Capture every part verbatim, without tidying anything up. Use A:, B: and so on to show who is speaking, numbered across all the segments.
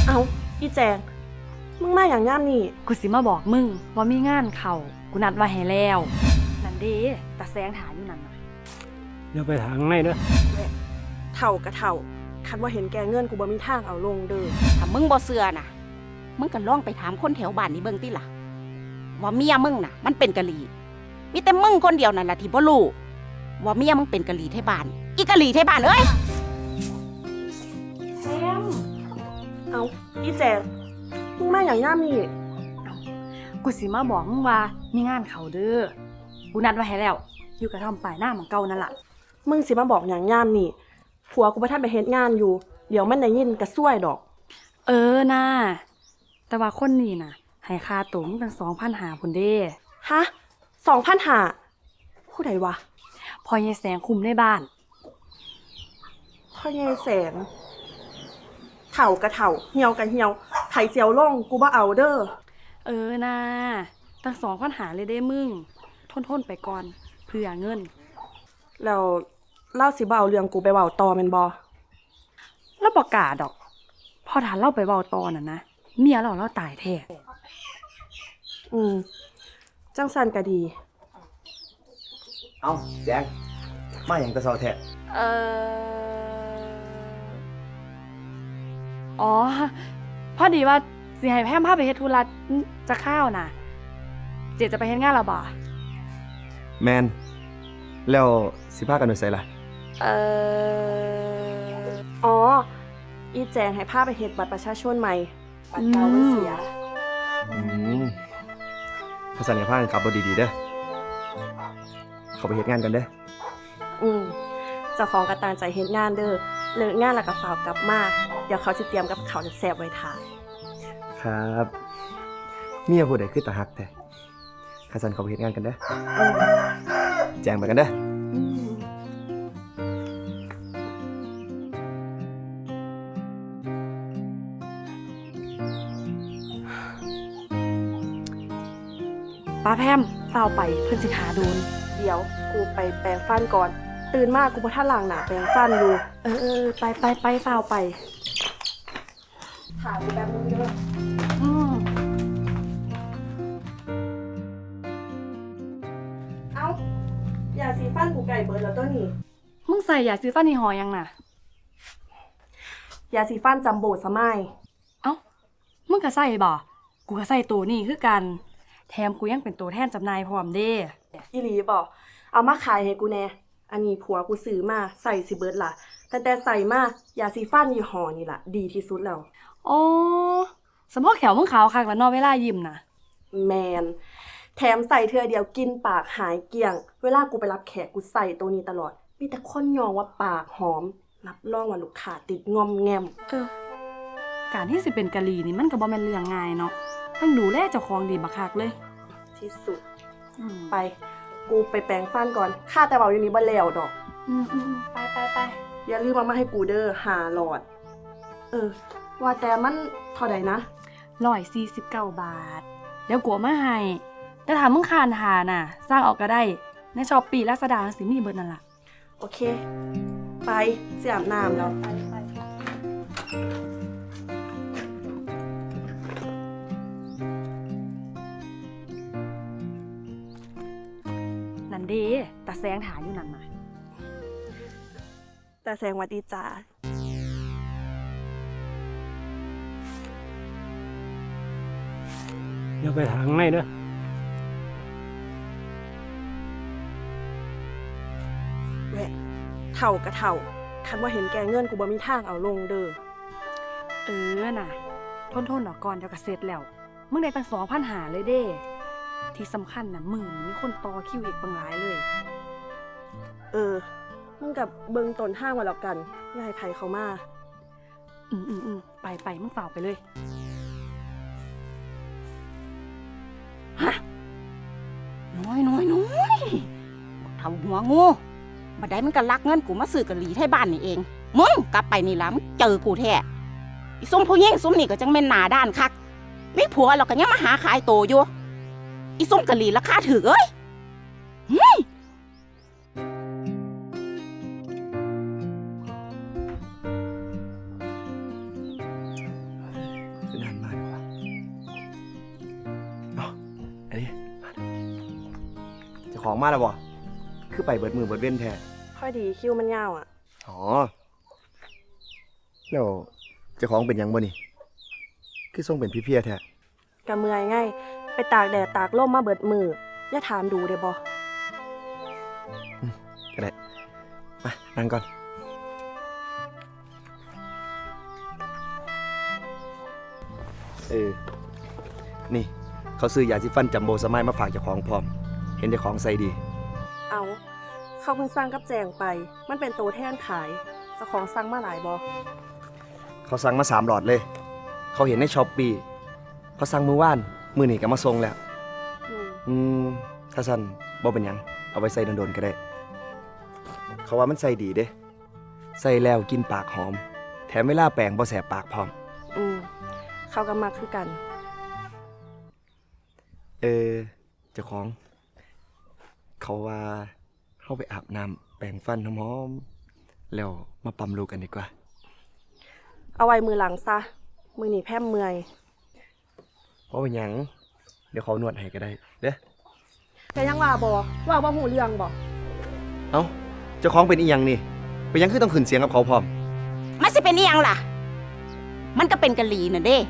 A: เอาอีแจงมึงมาอย่างย่ามนี่
B: กูสิมาบอกมึงว่ามีงานเขากูนัดไว้ให้แล้วนั่นเด้ตาแสงถาอยู่นั่นน่ะ
C: เดี๋ยวไปทางไหนเด้อ
A: เท่ากะเท่าคันว่าเห็นแกเงินกูบ่มีทางเอาลงเด้อ
D: ถ้ามึงบ่เชื่อน่ะมึงก็ลองไปถามคนแถวบ้านนี่เบิ่งติล่ะว่าเมียมึงน่ะมันเป็นกะหรี่มีแต่มึงคนเดียวนั่นล่ะที่บ่รู้ว่าเมียมึงเป็นกะหรี่ไทยบ้านอีกะหรี่ไทยบ้านเอ้ย
A: แซมเอาอีแจงมึงมาอย่างย่ามนี่
B: กูสิมาบอกมึงว่ามีงานเขาเด้อกูนัดไว้ให้แล้วอยู่กระท่อมปลายหน้าของเก่านั่นล่ะ
A: มึงสิมาบอกอย่างย่ามนี่ผัวกูบ่ทันไปเฮ็ดงานอยู่เดี๋ยวมันได้ยินกระซวยดอก
B: เออน่าแต่ว่าคนนี้น่ะให้ค่าตั๋วมึงตั้ง สองพันห้าร้อย พุ่นเด้
A: ฮะ สองพันห้าร้อย ผู้ใดวะ
B: พ่อยายแสงคุมในบ้าน
A: พ่อยายแสงเถ่ากะเถ่าเหี่ยวกะเหี่ยวไถเจียวลงกูบ่เอาเด้อ
B: เออน่าตั้ง สองพันห้าร้อย เลยเด้มึงทนๆไปก่อนเพื่อเงิน
A: แล้วเล่าสิบ่เอาเรื่องกูไปเว้าต่อแม่นบ่
B: แล้วบ่กล้าดอกพอถ้าเล่าไปเว้าต่อน่ะนะเมียเราเราตายแท้
A: อืมจังซั่นก็ดี
E: เอ้าแจงมาหยังแต่เช้าแท้
B: เอ่ออ๋อพอดีว่าสิให้แพมพาไปเฮ็ดธุระจะข้าวน่ะเจจะไปเฮ็ดงานแล้วบ่
E: แมนแล้วสิพากันไปไสล่ะ
B: เอ่อ
A: อ๋ออีแจงให้พาไปเฮ็ดบัตรประชาชนใหม่บัตรเก่ามันเสีย
E: อืมภาษาเนี่ยพากันขับรถดีๆเด้อเขาไปเฮ็ดงานกันเด้อ
A: อืมเจ้าของก็ตั้งใจเฮ็ดงานเด้อเลิกงานแล้วก็ฝากกลับมาเดี๋ยวเขาสิเตรียมกับข้าวแซ่บๆไว้ทาน
E: ครับเมียผู้ใดคือตาฮักแท้ข้าสันเขาไปเฮ็ดงานกันเด้อแจ้งไปกันเด้อ
B: ป้าแพมเฝ้าไปเพิ่นสิขาโดน
A: เดี๋ยวกูไปแปรงฟันก่อนตื่นมากูบ่ทันล้างหน้าแปรงฟันอยู่
B: เออๆไปไปไปเฝ้าไป
A: ถามกูแป๊บนึงเด้อ
B: อืม
A: เอ้ายาสีฟันกูไก่เบิดแล้วตัวนี้
B: มึงใส่ยาสีฟันยี่ห้อยังน่ะ
A: ยาสีฟันจัมโบ้สมัย
B: เอ้ามึงก็ใส่บ่กูก็ใส่ตัวนี้คือกันแถมกูยังเป็นตัวแทนจำหน่ายพร้อมเด้
A: อีหลีบ่เอามาขายให้กูแน่อันนี้ผัวกูซื้อมาใส่สิเบิดล่ะแต่แต่ใส่มายาสีฟันยี่ห้อนี่ล่ะดีที่สุดแล้ว
B: อ๋อสมพอแขวมึงขาวคักแล้วเนาะเวลายิ้มน่ะ
A: แมนแถมใส่เทื่อเดียวกินปากหายเกลี้ยงเวลากูไปรับแขกกูใส่ตัวนี้ตลอดมีแต่คนยองว่าปากหอมรับรองว่าลูกค้าติดงอมแงม
B: เออการที่สิเป็นกะหรี่นี่มันก็บ่แม่นเรื่องง่ายเนาะต้องดูแลเจ้าของดีบักคักเลย
A: ที่สุดไปกูไปแปรงฟันก่อนค่าแต่เบาอยู่นี้บ่แล้วดอก
B: อืมๆไป
A: ๆๆอย่าลืมเอามาให้กูเด้อห้าหลอดเออว่าแต่มันเท่าใดนะ
B: หนึ่งร้อยสี่สิบเก้าบาทเดี๋ยวกูเอามาให้แต่ถ้ามึงคานหาน่ะสร้างออกก็ได้ใน Shopee Lazada สิมีเบิดนั่นล่ะ
A: โอเคไปสิอาบน้ำแล้ว
B: นั่นเด้ตาแสงถาอยู่นั่นน่ะ
A: ตาแสงหวัดดีจ้า
C: เดี๋ยวไปทางไหนเด้อ
A: แหวะเท่ากะเท่าคันว่าเห็นแกเงินกูบ่มีทางเอาลงเด้อ
B: เออน่ะทนๆดอกก่อนเดี๋ยวก็เสร็จแล้วมึงได้ตั้ง สองพันห้าร้อย เลยเด้ที่สำคัญน่ะมึงมีคนต่อคิวอีกบางหลายเลย
A: เออมึงกับเบิ่งต้นทางไว้แล้วกันอย่าให้ไผเข้ามา
B: อืมๆๆไปๆมึงฝ่าไปเลย
D: ฮะน้อยน้อยน้อยทำหัวงูบัดใดมันก็ลักเงินกูมาซื้อกะหรี่ไทยบ้านนี่เองมึงกลับไปนี่ล่ะมึงเจอกูแท้อีส้มผู้หญิงส้มนี่ก็จังแม่นหน้าด้านคักมีผัวแล้วก็ยังมาหาขายโตอยู่อีส้มกะหรี่ราคาถูกเอ้ย
E: นานมากเลยวะเอ้าอันนี้มาเจ้าของมาแล้วบ่คือไปเบิดมือเบิดเว้นแท้
A: ค่อยดีคิวมันยาวอ่ะ
E: อ๋อแล้วเจ้าของเป็นหยังบ่นี่คือทรงเป็นพี่เพียแท้
A: กะเมื่อยไงไปตากแดดตากลมมาเบิดมืออย่าถามดูเด้บ่
E: ก็ได้มานั่งก่อนเออนี่ เขาซื้อยาสีฟันจัมโบสมัยมาฝากเจ้าของพร้อม เห็นเจ้าของใส่ดี
A: เอาเขาเพิ่งสั่งกับแจงไป มันเป็นตัวแทนขายเจ้าของสั่งมาหลายบ่
E: เขาสั่งมาสามหลอดเลย เขาเห็นในช้อปปี้เขาสั่งมือว่าน มือนี่ก็มาส่งแล้ว
A: อืม
E: อืม ถ้าสั่นบ่เป็นหยัง เอาไว้ใส่โดนๆก็ได้ เขาว่ามันใส่ดีเด้ ใส่แล้วกินปากหอม แถมเวลาแปรงบ่แสบปากพร้อม
A: อืมเขาก็มักคือกัน
E: เออ เจ้าของ เขาว่าเข้าไปอาบน้ำแปรงฟันหอมๆแล้วมาปั๊มลูกกันดีกว่า
A: เอาไว้มือหลังซะ มือหนีแพร่มเมื่อย
E: เพราะเป็นหยัง เดี๋ยวเขานวดให้ก็ได้เด้อ
A: แต่ยังว่าบ่ว่าบ่หูเรื่องบ่
E: เอ้า เจ้าของเป็นอีหยังนี่ เป็นหยังคือต้องขึ้นเสียงกับเขาพร้อม
D: มันสิเป็นอีหยังล่ะ มันก็เป็นกะหรี่น่ะเด้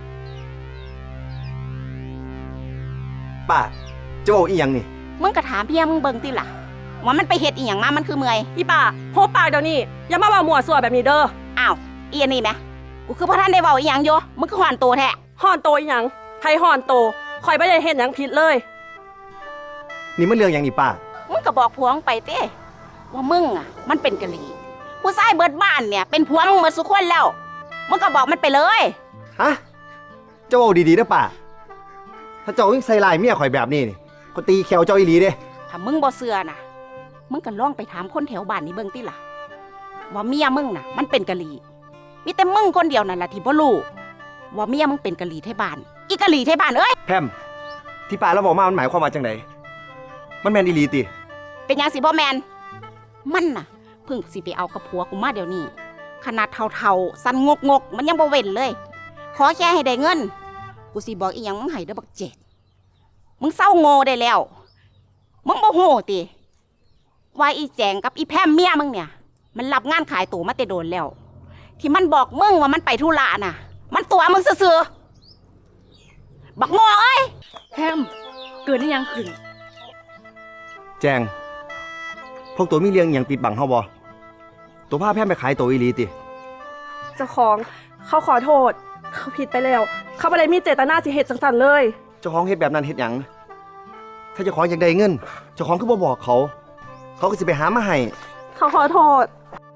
E: ป้า เจ้าเอาอีหยังนี่
D: มึงก็ถามเพียมึงเบิ่งติล่ะว่ามันไปเฮ็ดอีหยังมามันคือเมื่อย
A: อีป่าโหปากเดี๋ยวนี้อย่ามาว่ามั่วซั่วแบบนี้เด้อ
D: อ้าวอีอันนี้แหมกูคือพระท่านได้เว้าอีหยังอยู่มึงคือหอนตัวแท้
A: ห่อนโตอีหยังไผห่อนโตข่อยบ่ได้เฮ็ดหยังผิดเลย
E: นี่มันเรื่องหยังนี่ป้า
D: มึงก็บอกผัวมึงไปเต้ว่ามึงอ่ะ มันเป็นกะหรี่ผู้ชายเบิดบ้านเนี่ยเป็นผัวมึงหมดสุกคนแล้วมึงก็บอกมันไปเลย
E: ฮะ เจ้าเอาดีๆนะป้า ถ้าเจ้ายิ่งใส่ลายเมียข่อยแบบนี้นี่ก็ตีแขวเจ้าอีหลีเด้
D: ถ้ามึงบ่เชื่อน่ะ มึงก็ลองไปถามคนแถวบ้านนี่เบิ่งติล่ะว่าเมียมึงน่ะ มันเป็นกะหรี่มีแต่มึงคนเดียวนั่นล่ะที่บ่รู้ว่าเมียมึงเป็นกะหรี่ไทยบ้านอีกะหรี่ไทยบ้านเอ้ย
E: แพมที่ป้าเราบอกมามันหมายความว่าจังไดมันแม่นอีหลีติ
D: เป็นหยังสิบ่แมนมันน่ะเพิ่งสิไปเอากับผัวกูมาเดี๋ยวนี้ ขนาดเท่าๆสันงกงกๆมันยังบ่เว้นเลย ขอแค่ให้ได้เงิน กูสิบอกอีหยังมึงให้เด้อบักเจ็ดมึงเศร้าโง่ได้แล้ว มึงบ่โหติว่าอีแจงกับอีแพมเมียมึงเนี่ย มันรับงานขายตั๋วมาแต่โดนแล้ว ที่มันบอกมึงว่ามันไปธุระน่ะ มันตัวมึงซื่อๆบักโง่เอ้ย
B: แฮมเกิดได้ยังขึ้น
E: แจง พวกตัวมีเรื่องอหย่างปิดบังเฮาบ่ตัวพาแพมไปขายตัวอีหลีติ
A: เจ้าของเขาขอโทษ เขาผิดไปแล้ว เขาบ่ได้มีเจตนาสิเฮ็ดจังซั่นเลย
E: เจ้าของเฮ็ดแบบนั้นเฮ็ดหยัง ถ้าเจ้าของอยากได้เงิน เจ้าของคือบ่บอกเขา เขาก็สิไปหามาให้
A: เขาขอโทษ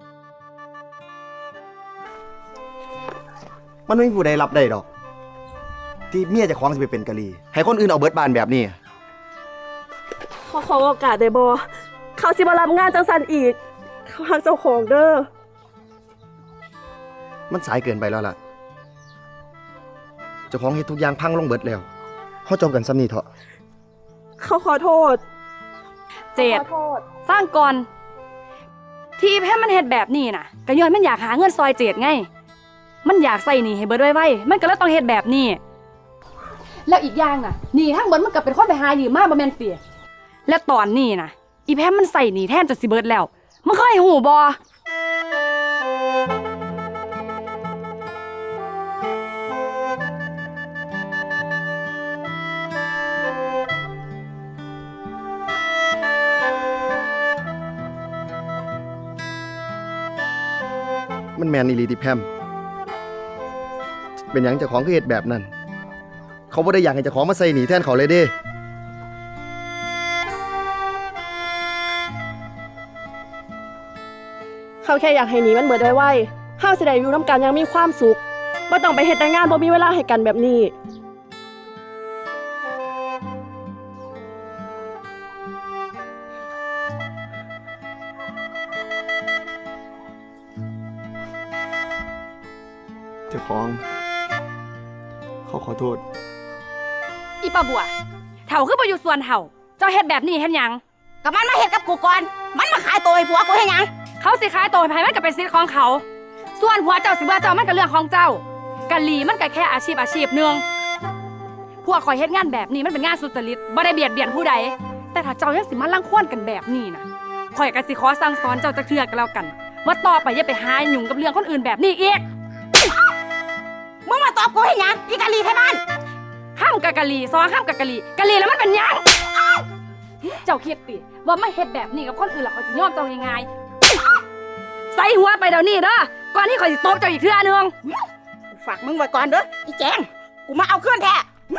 E: มันไม่มีผู้ใดรับได้ดอก ที่เมียเจ้าของสิไปเป็นกะลีให้คนอื่นเอาเบิดบานแบบนี้
A: เขาขอโอกาสได้บ่เขาสิบ่รับงานจังซั่นอีก เขาฮักเจ้าของเด้อ
E: มันสายเกินไปแล้วล่ะ เจ้าของเฮ็ดทุกอย่างพังลงเบิดแล้วเฮาจบกันซ้ำนี้เถอะ
A: เขาขอโทษ
B: เจ็ด
A: ขอโทษ
B: สร้างก่อน ที่แพมมันเฮ็ดแบบนี้น่ะก็ย้อนมันอยากหาเงินซอยเจ็ดไง มันอยากใส่หนี้ให้เบิดไว้ๆมันก็เลยต้องเฮ็ดแบบนี้ แล้วอีกอย่างน่ะหนี้ทั้งเบิดมันก็เป็นคนไปหายืมมาบ่แม่นเปียและตอนนี้น่ะ อีแพมมันใส่หนี้แทนจะสิเบิดแล้วมึงเคยหูบ่
E: มันแมนอีหลีติแพม เป็นหยังเจ้าของคือเฮ็ดแบบนั้น เขาบ่ได้อยากให้เจ้าของมาใส่หนีแทนเขาเลยเด้
A: เขาแค่อยากให้หนีมันเบิดไวๆเฮาสิได้อยู่นํกันอยังมีความสุขบ่ต้องไปเฮ็ดแต่งานบ่มีเวลาให้กันแบบนี้
E: เจ้าของ เขาขอโทษ
B: อีป้าบัวเฒ่าคือบ่อยู่ส่วนเฒ่าเจ้าเฮ็ดแบบนี้เฮ็ดหยัง
D: ก็มันมาเฮ็ดกับกูก่อน มันมาขายตัวให้ผัวกูให้หยัง
B: เขาสิขายตัวให้ไผมันก็เป็นสิทธิ์ของเขา ส่วนผัวเจ้าสิว่าเจ้ามันก็เรื่องของเจ้ากะหรี่มันก็แค่อาชีพอาชีพหนึงพวกข่อยเฮ็ดงานแบบนี้มันเป็นงานสุจริตบ่ได้เบียดเบียนผู้ใดแต่ถ้าเจ้ายังสิมารังควานกันแบบนี้นะข่อยก็สิขอสั่งสอนเจ้าจักเทื่อกันแล้วกัน ว่าต่อไปอย่าไปหายุ่งกับเรื่องคนอื่นแบบนี้อีก
D: มึงมาตอบกูให้หยังอีกะลีไทยบ้าน
B: ห้ามกะกะหรี่ซอห้ามกะกะหรี่กะหรี่แล้วมันเป็นหยังเจ้าคิดติว่าไม่เฮ็ดแบบนี้กับคนอื่นแล้วเขาสิยอมเจ้าง่ายๆใส่หัวไปเดี๋ยวนี้เด้อก่อนที่ข่อยสิตบเจ้าอีกเทื่อนึง
D: กูฝากมึงไว้ก่อนเด้ออีแจงกูมาเอาเครื่องแท้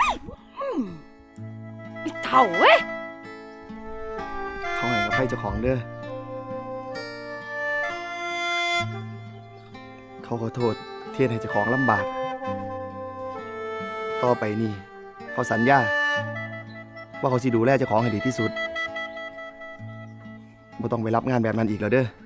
B: อีเถ่าเว้ย
E: เขาให้อภัยเจ้าของเด้อเขาขอโทษที่เฮ็ดให้เจ้าของลำบาก ต่อไปนี่เขาสัญญาว่าเขาสิดูแลเจ้าของให้ดีที่สุดบ่ต้องไปรับงานแบบนั้นอีกแล้วเด้อ